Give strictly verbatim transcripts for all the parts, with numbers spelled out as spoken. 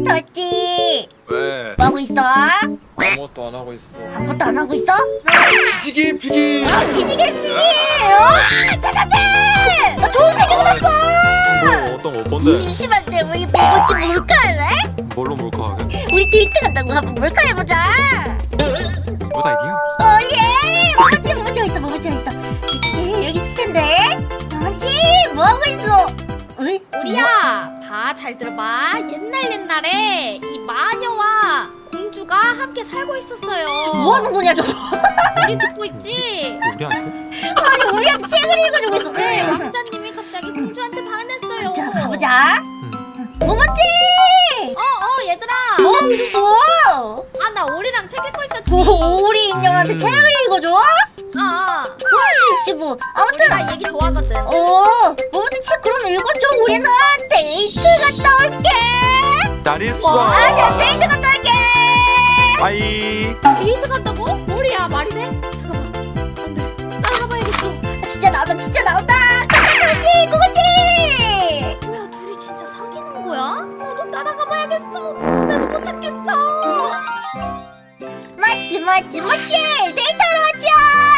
터지 왜? 뭐하고 있어? 아무것도 안 하고 있어. 아무것도 안 하고 있어? 피지기 피기. 아 피지개 피지! 와 차차차! 나 좋은 생각 났어! 뭐 어떤 거 뭔데? 심심한데 우리 뭐지 몰카할래? 뭘로 몰카하게? 우리 데이트 간다고 한번 몰카해보자! 굿 아이디어. 어예! 뭐지 뭐지가 있어 뭐지가 있어 에, 여기 있을 텐데 뭐지? 뭐하고 있어? 어이? 우리야, 봐, 잘 들어봐. 옛날 옛날에 이 마녀와 공주가 함께 살고 있었어요. 뭐하는 거냐 저거? 우리 듣고 있지? 우리한테? 아니 우리한테 책을 읽어주고 있어 네, 응. 왕자님이 갑자기 공주한테 반했어요. 자 가보자 응. 뭐지? 어, 어, 얘들아. 뭐하고 있었어? 아, 나 오리랑 책 읽고 있었지. 오, 우리 인형한테 음. 책을 읽어줘? 아, 아. 그럴 수 있지 뭐 아무튼 나 얘기 좋아하거든. 어 뭐지 책 그럼 읽어줘 우리는 데이트 갔다 올게 잘 있어. 아나 데이트 갔다 올게 바이. 데이트 간다고? 오리야, 말이 돼? 잠깐만. 안 돼. 따라가봐야겠어. 아, 진짜 나온다 진짜 나온다 가자 그거지 그거지 뭐야, 둘이 진짜 사귀는 거야? 나도 따라가봐야겠어. 궁금해서 못 찾겠어. 맞지 맞지 맞지 데이트하러 왔죠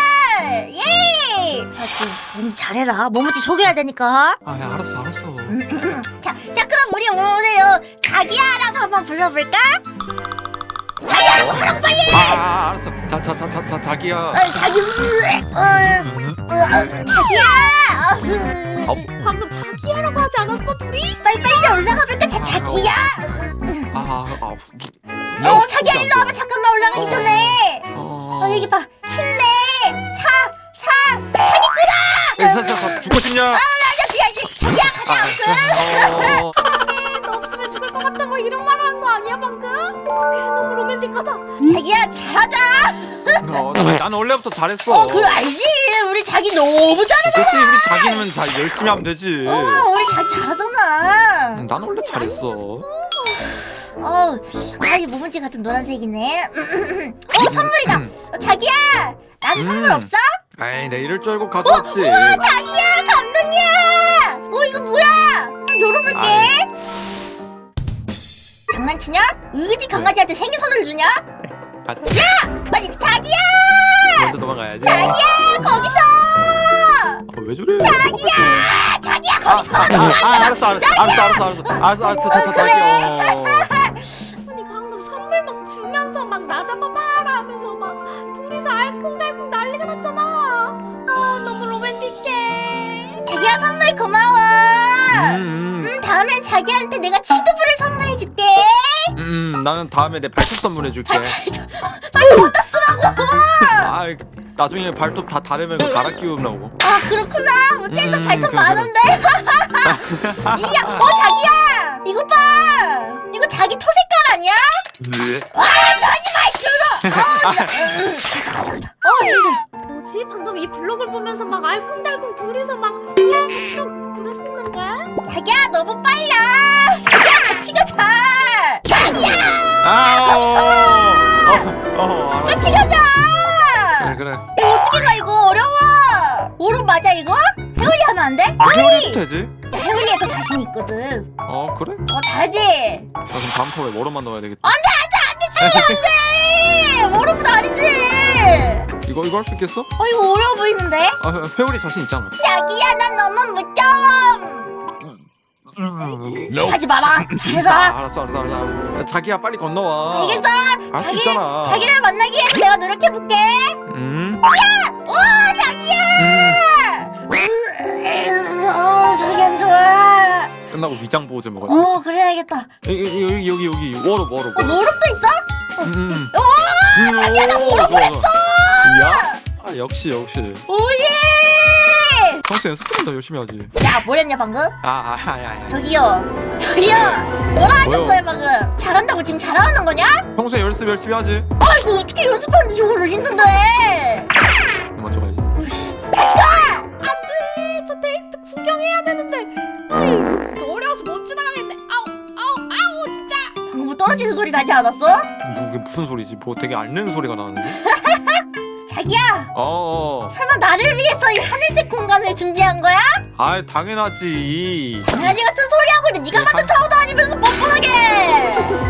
예 맞지 몸 잘해라 뭐뭐지 소개해야 되니까 아, 야, 알았어, 알았어. 자, 자 그럼 우리 오늘요 자기야라고 한번 불러볼까? 자기야라고 하라고 빨리 아, 아, 알았어. 자, 자, 자, 자, 자, 자기야. 어, 자기 어, 어, 어, 자기야 어, 어, 방금 자기야라고 하지 않았어, 둘이? 빨리 빨리 올라가 볼까 자, 자기야 아, 아, 어 자기야 일로 와봐 잠깐만 올라가기 어. 전에 어, 어 여기 봐 힘내 사 사 사기꾼아 자, 자, 자, 죽고 싶냐? 아 아니야 그게 아니지 자기야 가자 아무튼 어, 너 없으면 죽을 것 같다 뭐 이런 말 하는 거 아니야 방금? 어떡해 너무 로맨틱하다. 자기야 잘하자 어, 나- 나는 원래부터 잘했어. 어 그래 알지 우리 자기 너무 잘하잖아 그렇지, 우리 자기는 잘 열심히 하면 되지. 어 우리 자기 잘하잖아 나는 원래 잘했어. 어 아이 모문지 같은 노란색이네 어 선물이다 어, 자기야 나는 선물 음. 없어? 에이, 내 이럴 줄 알고 가져왔지. 우와 자기야 감동이야 어 이거 뭐야 한번 열어볼게 아이. 장난치냐? 어디 강아지한테 생일 선물을 주냐? 가자. 아니 자기야 먼저 도망가야지. 자기야 거기서 어, 왜 저래? 자기야 자기야 아, 거기서 아, 아, 아, 알았어, 알았어, 알았어, 알았어, 알았어, 알았어, 알았어, 자, 자, 그래. 자기. 어. 아니 방금 선물 막 주면서 막 나 잡아봐라 하면서 막 둘이서 알콩달콩 난리가 났잖아. 어 너무 로맨틱해. 자기야 선물 고마워 음, 음 다음엔 자기한테 내가 치드볼을 선물해줄게 음, 음, 나는 다음에 내 발톱 선물해줄게. 빨리 어디다 쓰라고 아, 나중에 발톱 다 다르면 그거 갈아 끼우려고. 아 그렇구나 우젤도 음, 발톱 그래, 많은데 이야 어 자기야 이거 봐 이거 자기 토 색깔 아니야? 와 하지 마 들어 어, 나, 음, 가자 가자 가자 어 힘들어 뭐지 방금 이 블록을 보면서 막 알콩달콩 둘이서 막 뚝뚝 그랬었는데. 자기야 너무 빨라 자기야 같이 가자 자기야 아, 어, 어, 어, 알았어. 같이 가자 그래, 그래. 이거 어떻게 가 이거 어려워 오른 맞아 이거? 회오리 하면 안 돼? 아, 회오리도 되지? 나 회오리에 더 자신 있거든 어, 그래? 어 잘하지? 나 그럼 다음 턴에 워런만 넣어야 되겠다. 안돼 안돼 안돼 안돼 오른보다 아니지 이거, 이거 할 수 있겠어? 어 이거 어려워 보이는데? 아, 회오리 자신 있잖아. 자기야 난 너무 무서워 하지 마라 잘해라 아, 알았어, 알았어, 알았어, 알았어. 야, 자기야, 빨리 건너와. 알겠어 할 수 자기, 있잖아. 자기를 만나기 위해서 내가 노력해볼게 음, 와 자기야 음. 어 저기 안 좋아 끝나고 위장 보호제 먹어야 돼. 어 그래야겠다 여기, 여기, 여기, 여기, 워러, 워러, 어 워러. 모릅도 있어? 음, 음. 오 자기야 나 모르고 했어 야? 아, 역시, 역시. 오예 평소 연습 좀 더 열심히 하지. 야 뭐랬냐 방금? 아, 아, 아, 아, 아. 저기요 저기요 뭐라 뭐요? 하셨어요 방금 잘한다고 지금 잘하는 거냐? 평소에 연습 열심히 하지. 아이고 어떻게 연습하는데 저거를 힘든데 먼저 가야지. 우씨 다시 가 안돼 저 데이트 구경해야 되는데. 아이 어려워서 못 지나가겠네. 아우 아우 아우 진짜. 방금 뭐 떨어지는 소리 나지 않았어? 뭐, 그게 무슨 소리지? 뭐 되게 앓는 소리가 나는데? 자기야 어어. 설마 나를 위해서 이 하늘색 공간을 준비한 거야? 아, 당연하지. 당연히 같은 소리 하고 있는데 네가 네, 만든 한- 타워도 아니면서 뻔뻔하게